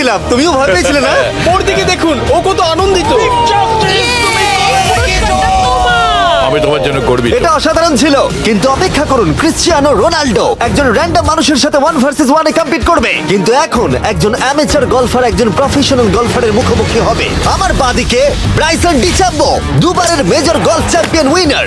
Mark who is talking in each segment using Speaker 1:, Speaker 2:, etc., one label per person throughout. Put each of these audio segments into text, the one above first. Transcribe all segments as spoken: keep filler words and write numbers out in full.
Speaker 1: পেয়েছিলাম, তুমিও ভয় পেয়েছিলে না?
Speaker 2: ওর দিকে দেখুন, ও কত আনন্দিত।
Speaker 3: আমি তোমার জন্য গর্বিত।
Speaker 1: এটা অসাধারণ ছিল, কিন্তু অপেক্ষা করুন, ক্রিশ্চিয়ানো রোনাল্ডো একজন র্যান্ডম মানুষের সাথে ওয়ান ভার্সেস ওয়ানে কম্পিট করবে, কিন্তু এখন একজন অ্যামেচার গলফার একজন প্রফেশনাল গলফারের মুখোমুখি হবে। আমার বাদিকে ব্রাইসন ডিচাম্বো, দুবারের মেজর গলফ চ্যাম্পিয়ন উইনার,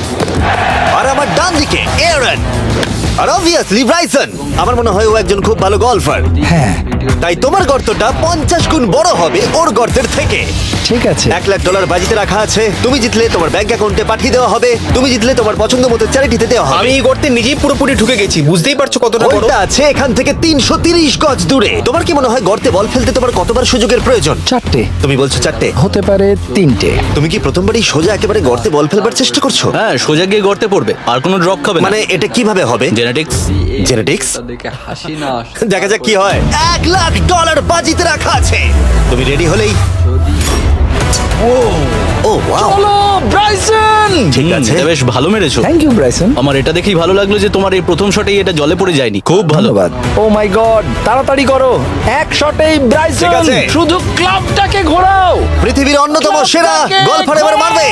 Speaker 1: আর আমার ডান দিকে এরন। আর অবভিয়াসলি ব্রাইসন, আমার মনে হয় ও একজন খুব ভালো গলফার।
Speaker 4: হ্যাঁ
Speaker 1: তাই তোমার গর্তটা পঞ্চাশ গুণ বড় হবে ওর গর্তের থেকে।
Speaker 4: ঠিক আছে।
Speaker 1: এক লাখ ডলার বাজিতে রাখা আছে, তুমি জিতলে তোমার ব্যাংক অ্যাকাউন্টে পাঠিয়ে দেওয়া হবে, তুমি জিতলে তোমার পছন্দ মতো চ্যারিটিতে দেওয়া হবে।
Speaker 2: আমি এই গর্তে নিজেই পুরোপুরি ঢুকে গেছি, বুঝতেই পারছো কতটা বড়।
Speaker 1: ওইটা আছে এখান থেকে তিনশো তিরিশ গজ দূরে। তোমার কি মনে হয় গর্তে বল ফেলতে তোমার কতবার সুযোগের প্রয়োজন?
Speaker 4: চারটে
Speaker 1: তুমি বলছো চারটে,
Speaker 4: হতে পারে তিনটে।
Speaker 1: তুমি কি প্রথমবারই সোজা একেবারে গর্তে বল ফেলবার চেষ্টা করছো?
Speaker 5: হ্যাঁ, সোজা গিয়ে গর্তে পড়বে, আর কোনো ড্রপ খাবে না।
Speaker 1: মানে এটা কিভাবে হবে?
Speaker 5: জেনেটিক্স।
Speaker 1: জেনেটিক্স?
Speaker 6: দেখে হাসি না আসে।
Speaker 1: দেখা যাক কি হয়। এক লাখ ডলার বাজিতে রাখা আছে, তুমি রেডি হলেই। ও ওয়াও,
Speaker 4: চলো ব্রাইসন।
Speaker 1: ঠিক আছে।
Speaker 5: বেশ ভালো মেরেছো।
Speaker 4: Thank you Bryson.
Speaker 5: আমার এটা দেখেই ভালো লাগলো যে তোমার এই প্রথম শটেই এটা জলে পড়ে যায়নি। খুব ভালো।
Speaker 4: ধন্যবাদ। ও মাই গড, তাড়াতাড়ি করো, এক শটেই
Speaker 1: ঠিক
Speaker 4: ব্রাইসন।
Speaker 1: আছে।
Speaker 4: শুধু ক্লাবটাকে ঘোরাও।
Speaker 1: পৃথিবীর অন্যতম সেরা গলফার এবার মারবে।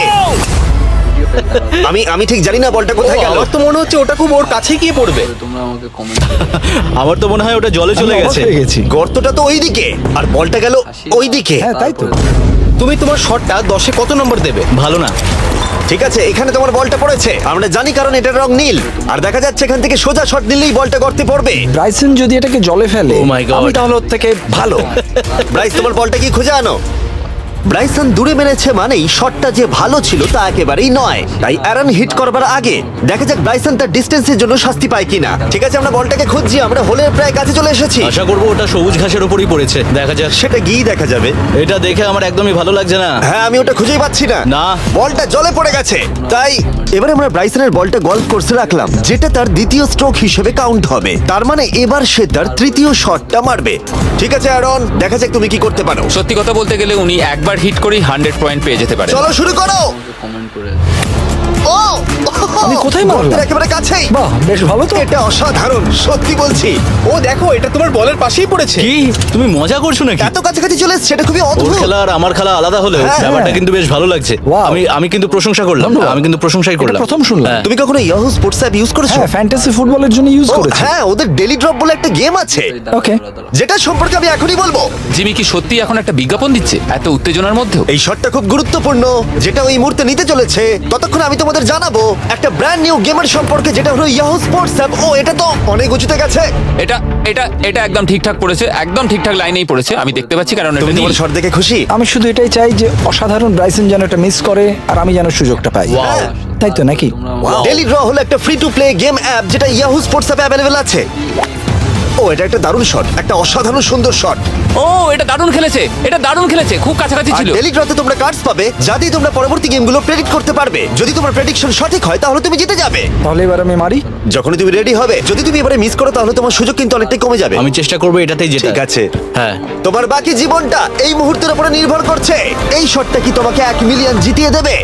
Speaker 1: আমি আমি ঠিক জানি না বলটা কোথায় গেল।
Speaker 2: আমার তো মনে হচ্ছে ওটা খুব ওর কাছে গিয়ে পড়বে।
Speaker 6: তোমরা আমাকে কমেন্ট
Speaker 5: আমার তো মনে হয় ওটা জলে চলে
Speaker 4: আমি অবাক
Speaker 5: গেছে।
Speaker 4: হয়ে গেছি।
Speaker 1: গর্তটা তো ওইদিকে আর বলটা গেল ওইদিকে।
Speaker 4: হ্যাঁ তাই তো।
Speaker 2: তুমি তোমার শটটা দশে কত নম্বর দেবে?
Speaker 5: ভালো না।
Speaker 1: ঠিক আছে, এখানে তোমার বলটা পড়েছে, আমরা জানি কারণ এটার রং নীল, আর দেখা যাচ্ছে এখান থেকে সোজা শট নিলেই বলটা গর্তে পড়বে।
Speaker 4: ব্রাইসন যদি এটাকে জলে ফেলে,
Speaker 5: Oh my God.
Speaker 4: আমি তাহলে ওর থেকে ভালো।
Speaker 1: ব্রাইস, তোমার বলটা কি খুঁজে আনো। ব্রাইসন দূরে মেরেছে মানেই শটটা যে ভালো ছিল তা একেবারেই নয়, তাই অ্যারন হিট করবার আগে দেখা যাক ব্রাইসন তার ডিস্টেন্সের জন্য শাস্তি পায় কিনা। ঠিক আছে, আমরা বলটাকে খুঁজছি, আমরা হোলের প্রায় কাছে চলে এসেছি।
Speaker 5: আশা করবো ওটা সবুজ ঘাসের উপরই পড়েছে। দেখা যাক।
Speaker 1: সেটা গিয়ে দেখা যাবে।
Speaker 5: এটা দেখে আমার একদমই ভালো লাগছে না।
Speaker 1: হ্যাঁ, আমি ওটা খুঁজেই পাচ্ছি না।
Speaker 5: না।
Speaker 1: বলটা জলে পড়ে গেছে। তাই এবারে আমরা ব্রাইসনের বলটা গলফ কোর্সে রাখলাম, যেটা তার দ্বিতীয় স্ট্রোক হিসেবে কাউন্ট হবে। তার মানে এবার সে তার তৃতীয় শটটা মারবে। ঠিক আছে অ্যারন, দেখা যাক তুমি কি করতে পারো।
Speaker 7: সত্যি কথা বলতে গেলে উনি একবার হিট করেই হান্ড্রেড পয়েন্ট পেয়ে যেতে পারে।
Speaker 1: চলো শুরু করো।
Speaker 6: কমেন্ট করে
Speaker 1: ও
Speaker 4: আমি কোথায় মারলাম?
Speaker 1: গর্তের একেবারে কাছেই।
Speaker 4: বাহ, বেশ ভালো তো।
Speaker 1: এটা অসাধারণ, সত্যি বলছি।
Speaker 2: ও দেখো, এটা তোমার বলের পাশেই পড়েছে।
Speaker 5: কি তুমি মজা করছো নাকি?
Speaker 1: এত কাছাকাছি চলে এসেছে, সেটা খুবই
Speaker 5: ওর
Speaker 1: অদ্ভুত।
Speaker 5: খেলা আর আমার খেলা আলাদা হলেও
Speaker 1: হ্যাঁ,
Speaker 5: ব্যাপারটা
Speaker 4: হ্যাঁ।
Speaker 5: কিন্তু বেশ ভালো লাগছে।
Speaker 4: Wow.
Speaker 5: আমি আমি কিন্তু প্রশংসা করলাম।
Speaker 4: ধন্যবাদ।
Speaker 5: আমি কিন্তু প্রশংসাই করলাম।
Speaker 4: প্রথম শুনলাম।
Speaker 5: হ্যাঁ।
Speaker 1: তুমি কখনো ইয়াহু স্পোর্টস অ্যাপ ইউজ করেছো?
Speaker 4: হ্যাঁ, ফ্যান্টাসি ফুটবলের জন্য ইউজ
Speaker 1: ও,
Speaker 4: করেছি।
Speaker 1: হ্যাঁ, ওদের ডেলি ড্রপ বলে একটা গেম আছে,
Speaker 4: ওকে।
Speaker 1: যেটা সম্পর্কে আমি এখনই বলবো।
Speaker 7: জিমি কি সত্যি এখন একটা বিজ্ঞাপন দিচ্ছে এত উত্তেজনার মধ্যেও?
Speaker 1: এই শটটা খুব গুরুত্বপূর্ণ, যেটা ওই মুহূর্তে নিতে চলেছে। ততক্ষণ আমি তোমাদের জানাবো একটা ব্র্যান্ড নিউ গেমের সম্পর্কে, যেটা হলো ইয়াহু স্পোর্টস অ্যাপ। ও, এটা তো অনেক উঁচুতে গেছে।
Speaker 7: এটা এটা এটা একদম ঠিকঠাক পড়েছে, একদম ঠিকঠাক লাইনেই পড়েছে। আমি দেখতে পাচ্ছি, কারণ এটা
Speaker 1: তুমি
Speaker 7: নীল।
Speaker 1: তোমার শট দেখে খুশি?
Speaker 4: আমি শুধু এটাই চাই যে অসাধারণ ব্রাইসন যেন এটা মিস করে আর আমি যেন সুযোগটা পাই।
Speaker 1: হ্যাঁ।
Speaker 4: তাই তো নাকি?
Speaker 1: ডেলি ড্র হলো একটা free to play game app, যেটা ইয়াহু স্পোর্টস অ্যাপে অ্যাভেলেবল আছে। ও, এটা একটা দারুণ শট, একটা অসাধারণ সুন্দর শট।
Speaker 7: ও, এটা দারুণ খেলেছে, এটা দারুণ খেলেছে, খুব কাছাকাছি
Speaker 1: আর
Speaker 7: ছিল।
Speaker 1: ডেলি ড্রতে তোমরা কার্ডস পাবে, যা দিয়ে তোমরা পরবর্তী গেমগুলো প্রেডিক্ট করতে পারবে। যদি তোমার প্রেডিকশন সঠিক হয় তাহলে তুমি জিতে যাবে।
Speaker 4: তাহলে এবার আমি মারি।
Speaker 1: যখনই তুমি রেডি হবে, যদি তুমি এবারে মিস করো তাহলে তোমার সুযোগ কিন্তু অনেকটাই কমে যাবে।
Speaker 5: আমি চেষ্টা করবো এটাতেই যেটা।
Speaker 1: ঠিক আছে,
Speaker 5: হ্যাঁ।
Speaker 1: তোমার বাকি জীবনটা এই মুহূর্তের উপরে নির্ভর করছে। এই শটটা কি তোমাকে এক মিলিয়ন জিতিয়ে দেবে?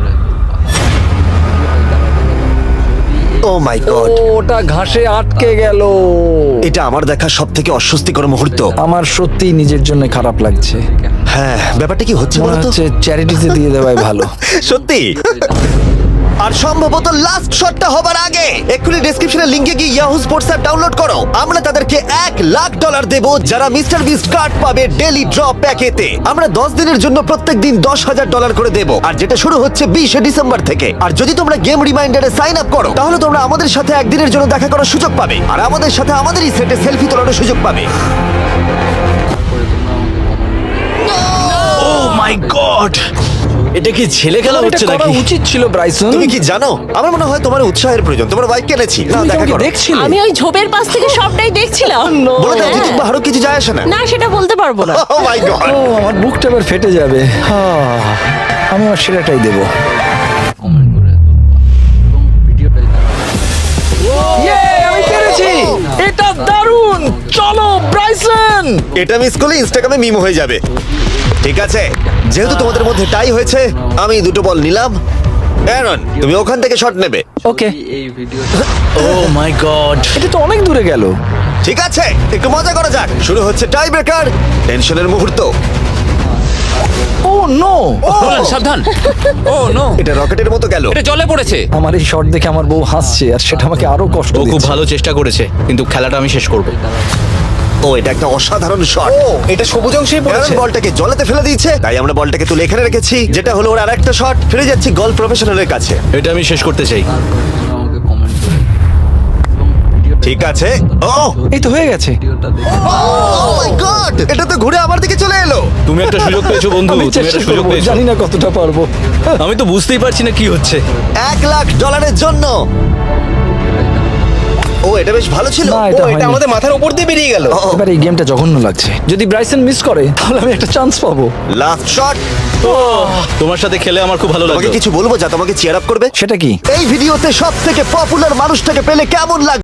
Speaker 1: ও মাই গড,
Speaker 4: ওটা ঘাসে আটকে গেল।
Speaker 1: এটা আমার দেখা সব থেকে অস্বস্তিকর মুহূর্ত।
Speaker 4: আমার সত্যি নিজের জন্য খারাপ লাগছে।
Speaker 1: হ্যাঁ, ব্যাপারটা কি হচ্ছে
Speaker 4: মনে
Speaker 1: বলতো?
Speaker 4: হচ্ছে চ্যারিটিতে দিয়ে দেওয়াই ভালো।
Speaker 1: সত্যি। আর সম্ভবত লাস্ট শটটা হবার আগে এক্ষুনি ডেসক্রিপশনের লিংকে গিয়ে ইয়াহু স্পোর্টস অ্যাপ ডাউনলোড করো। আমরা তাদেরকে এক লাখ ডলার দেব যারা মিস্টার বিস্ট কার্ড পাবে ডেলি ড্র প্যাকেতে। আমরা দশ দিনের জন্য প্রত্যেক দিন দশ হাজার ডলার করে দেব, আর যেটা শুরু হচ্ছে বিশে ডিসেম্বর থেকে। আর যদি তোমরা গেম রিমাইন্ডারে সাইন আপ করো তাহলে তোমরা আমাদের সাথে একদিনের জন্য দেখা করার সুযোগ পাবে, আর আমাদের সাথে আমাদেরই সেটে সেলফি তোলার সুযোগ পাবে।
Speaker 5: ও মাই গড, এটা কি ছেলে খেলা
Speaker 4: এটা
Speaker 5: হচ্ছে
Speaker 4: করা
Speaker 5: নাকি?
Speaker 4: উচিত ছিল ব্রাইসন।
Speaker 1: তুমি কি জানো, আমার মনে হয় তোমার উৎসাহের প্রয়োজন। তোমার বাইক কিনেছি, না
Speaker 4: তুমি
Speaker 1: দেখা
Speaker 4: আমাকে
Speaker 1: করো।
Speaker 4: দেখছিলে?
Speaker 8: আমি ওই ঝোপের পাশ থেকে সবটাই দেখছিলাম।
Speaker 1: বলে দাও,
Speaker 8: হ্যাঁ।
Speaker 1: জিতুক বা হারুক কিছু যায় আসে না।
Speaker 8: না, সেটা বলতে পারবো না।
Speaker 1: ও মাই গড,
Speaker 4: ও, আমার বুকটা এবার ফেটে যাবে। হ্যাঁ, আমি আমার সেরাটাই দেবো।
Speaker 6: কমেন্ট করে দাও এবং ভিডিওটা
Speaker 4: ইয়ে, আমি পেরেছি। এটা দারুণ। চলো ব্রাইসন।
Speaker 1: এটা মিস করলে ইনস্টাগ্রামে মিম হয়ে যাবে। ঠিক আছে, যেহেতু তোমাদের মধ্যে টাই হয়েছে, আমি দুটো বল নিলাম। অ্যারন, তুমি ওখান থেকে শট নেবে।
Speaker 4: ওকে।
Speaker 6: এই ভিডিও
Speaker 5: ও মাই গড,
Speaker 4: এটা তো অনেক দূরে গেল।
Speaker 1: ঠিক আছে, একটু মজা করা যাক। শুরু হচ্ছে টাই ব্রেকার, টেনশনের মুহূর্ত।
Speaker 4: ও নো!
Speaker 7: নোলান, সাবধান। ও নো,
Speaker 1: এটা রকেটের মতো গেল।
Speaker 7: এটা জলে পড়েছে।
Speaker 4: আমার এই শট দেখে আমার বউ হাসছে আর সেটা আমাকে আরো কষ্ট
Speaker 5: ও খুব
Speaker 4: দিচ্ছে।
Speaker 5: ভালো চেষ্টা করেছে কিন্তু খেলাটা আমি শেষ করব।
Speaker 1: ও, এটা একটা অসাধারণ শট।
Speaker 2: ও এটা সবুজ অংশেই
Speaker 1: কারণ
Speaker 2: পড়েছে।
Speaker 1: বলটাকে জলেতে ফেলে দিয়েছে, তাই আমরা বলটাকে তুলে এখানে রেখেছি, যেটা হলো ওর আরেকটা শট। ফিরে যাচ্ছি গলফ প্রফেশনালের কাছে।
Speaker 5: এটা আমি শেষ করতে চাই।
Speaker 6: তোমরা আমাকে কমেন্ট করে এবং ভিডিওটা
Speaker 1: ঠিক আছে। ও
Speaker 4: এই তো হয়ে গেছে।
Speaker 6: ভিডিওটা দেখে
Speaker 1: মাই গড, এটা তো ঘুরে আমার দিকে চলে এলো।
Speaker 5: তুমি একটা সুযোগ পেয়েছো বন্ধু,
Speaker 4: আমি
Speaker 5: তুমি
Speaker 4: চেষ্টা
Speaker 5: একটা সুযোগ
Speaker 4: করবো,
Speaker 5: পেয়েছো।
Speaker 4: জানি না কতটা পারবো।
Speaker 5: আমি তো বুঝতেই পারছি না কি হচ্ছে।
Speaker 1: এক লাখ ডলারের জন্য। ও, এটা বেশ ভালো ছিল।
Speaker 4: না,
Speaker 2: ও
Speaker 4: এটা
Speaker 2: এটা
Speaker 4: হয়নি।
Speaker 2: আমাদের মাথার উপর দিয়ে বেরিয়ে গেল।
Speaker 1: ও,
Speaker 4: এবার এই গেমটা জঘন্য লাগছে। যদি ব্রাইসন মিস করে তাহলে আমি একটা চান্স পাবো।
Speaker 1: Last shot.
Speaker 5: তোমার সাথে খেলে আমার খুব ভালো
Speaker 1: তোমাকে
Speaker 5: লাগলো।
Speaker 1: কিছু বলবো যা তোমাকে চিয়ার আপ করবে?
Speaker 4: সেটা কি?
Speaker 1: এই ভিডিওতে সব থেকে পপুলার মানুষটাকে পেলে কেমন লাগবে?